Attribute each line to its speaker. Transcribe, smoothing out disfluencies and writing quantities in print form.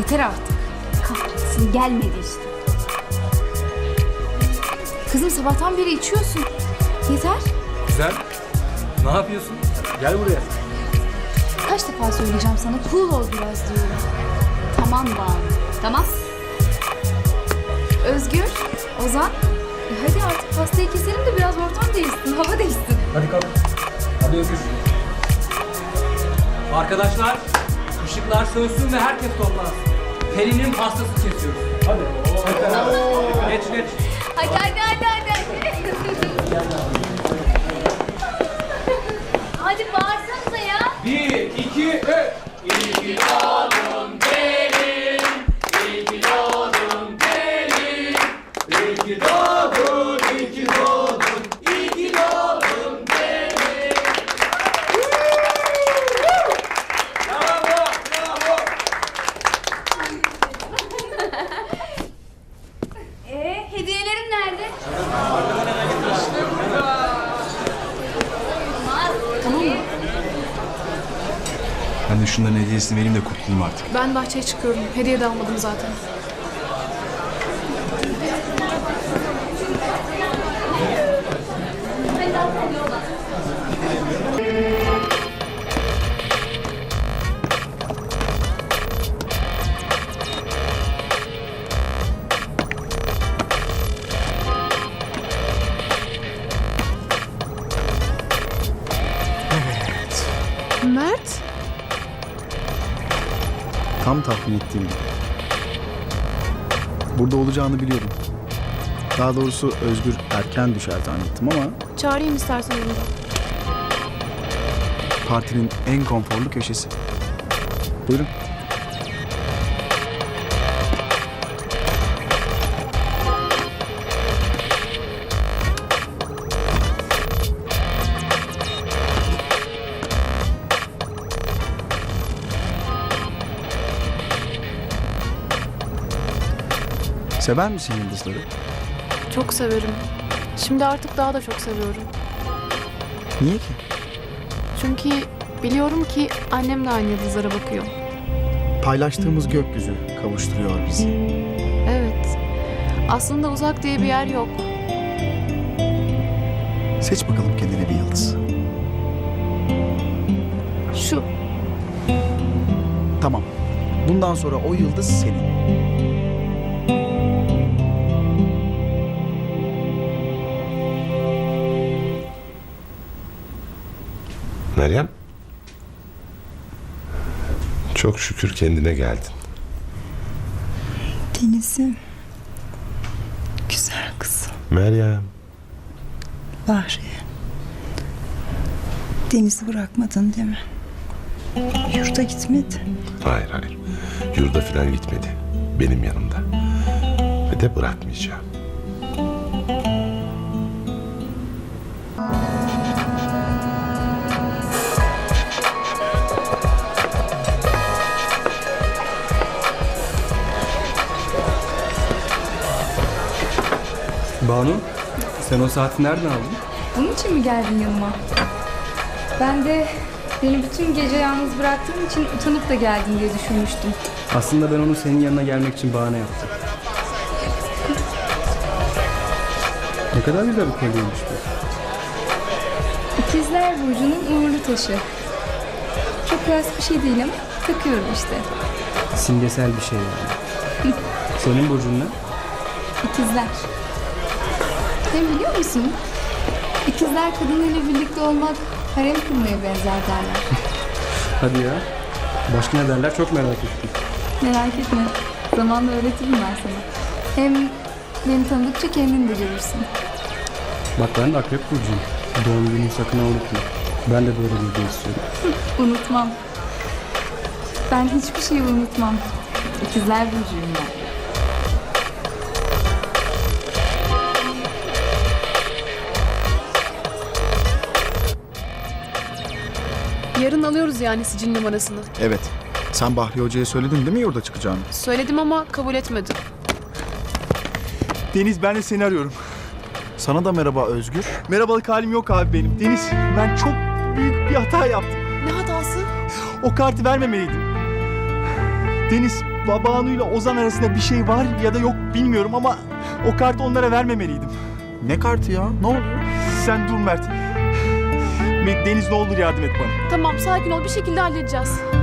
Speaker 1: Yeter artık. Kahretsin, gelmedi işte. Kızım sabahtan beri içiyorsun. Yeter.
Speaker 2: Güzel. Ne yapıyorsun? Gel buraya.
Speaker 1: Kaç defa söyleyeceğim sana, cool ol biraz diyorum. Tamam Banu, tamam. Özgür, Ozan. Hadi artık pastayı keselim de biraz ortam değişsin, hava değişsin.
Speaker 2: Hadi kalk. Hadi öpüş. Arkadaşlar, ışıklar sönsün ve herkes toplansın. Pelin'in pastasını kesiyoruz. Hadi. Geç geç.
Speaker 1: Hadi. Hadi bağırsanıza ya.
Speaker 2: 1, 2, 3. İyi ki doğdun Pelin. İyi ki doğdun Pelin. İyi ki doğdun, iyi ki doğdun. İyi ki doğdun Pelin. Bravo, bravo.
Speaker 1: Hediyelerim nerede? Tamam mı?
Speaker 3: Ben de şunların hediyesini vereyim de kurtulayım artık.
Speaker 4: Ben bahçeye çıkıyorum. Hediye de almadım zaten. Mert?
Speaker 3: Tam tahmin ettiğim gibi. Burada olacağını biliyordum. Daha doğrusu Özgür erken düşer zannettim ama
Speaker 4: Çağırayım istersen onu da.
Speaker 3: partinin en konforlu köşesi. Buyurun. Sever misin yıldızları?
Speaker 4: Çok severim. Şimdi artık daha da çok seviyorum.
Speaker 3: Niye ki?
Speaker 4: Çünkü biliyorum ki annem de aynı yıldızlara bakıyor.
Speaker 3: Paylaştığımız gökyüzü kavuşturuyor bizi.
Speaker 4: Evet. Aslında uzak diye bir yer yok.
Speaker 3: Seç bakalım kendine bir yıldız.
Speaker 4: Şu.
Speaker 3: Tamam. Bundan sonra o yıldız senin.
Speaker 5: Meryem, çok şükür kendine geldin.
Speaker 6: Deniz'im, güzel kızım.
Speaker 5: Meryem,
Speaker 6: Bahri, Deniz'i bırakmadın değil mi? Yurda gitmedi.
Speaker 5: hayır hayır, yurda falan gitmedi. Benim yanımda. Ve de bırakmayacağım.
Speaker 2: Banu, sen o saati nereden aldın?
Speaker 1: Bunun için mi geldin yanıma? Ben de beni bütün gece yalnız bıraktığın için utanıp da geldin diye düşünmüştüm.
Speaker 2: Aslında ben onu senin yanına gelmek için bahane yaptım. Ne kadar güzel bir kolyeymiş bu.
Speaker 1: İkizler Burcu'nun uğurlu taşı. Çok klas bir şey değil ama takıyorum işte.
Speaker 2: Simgesel bir şey yani. Senin burcun ne?
Speaker 1: İkizler. Hem biliyor musun? İkizler kadınıyla birlikte olmak harem kurmaya benzer derler.
Speaker 2: Hadi ya. Başka ne derler çok merak ettim.
Speaker 1: Merak etme. Zamanla öğretirim ben sana. Hem beni tanıdıkça kendin de görürsün.
Speaker 2: Bak ben de akrep burcuyum. Doğum gününü sakın unutma. Ben de böyle bir hediye istiyorum.
Speaker 1: Unutmam. Ben hiçbir şeyi unutmam. İkizler Burcu'yum ben.
Speaker 4: Yarın alıyoruz yani sicil numarasını.
Speaker 3: Evet. Sen Bahri Hoca'ya söyledin değil mi yurda çıkacağını?
Speaker 4: Söyledim ama kabul etmedi.
Speaker 7: Deniz, ben de seni arıyorum.
Speaker 3: Sana da merhaba Özgür.
Speaker 7: Merhabalık halim yok abi benim. Deniz, ben çok büyük bir hata yaptım.
Speaker 4: Ne hatası?
Speaker 7: O kartı vermemeliydim. Deniz, Banu ile Ozan arasında bir şey var ya da yok bilmiyorum ama o kartı onlara vermemeliydim.
Speaker 3: Ne kartı ya? Ne oluyor?
Speaker 7: Sen dur Mert. Deniz ne olur yardım et bana.
Speaker 4: Tamam sakin ol bir şekilde halledeceğiz.